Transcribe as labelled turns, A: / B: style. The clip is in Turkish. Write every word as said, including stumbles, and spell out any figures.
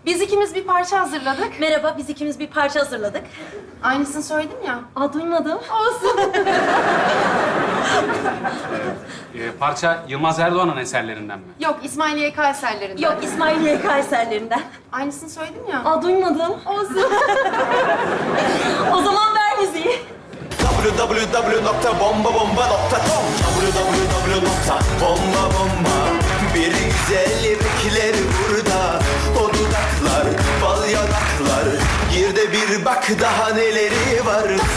A: Biz ikimiz bir parça hazırladık.
B: Merhaba, biz ikimiz bir parça hazırladık.
A: Aynısını söyledim ya.
B: Aa, duymadım.
A: Olsun.
C: Ee, parça Yılmaz Erdoğan'ın eserlerinden mi?
A: Yok, İsmail Y K eserlerinden.
B: Yok, İsmail Y K eserlerinden.
A: Aynısını söyledim ya.
B: Aa, duymadım.
A: Olsun.
B: O zaman ver müziği.
D: w w w nokta bomba bomba nokta com w w w nokta bomba bomba Bir güzel bekler burada. O dudaklar, bal yanaklar. Gir de bir bak daha neleri var.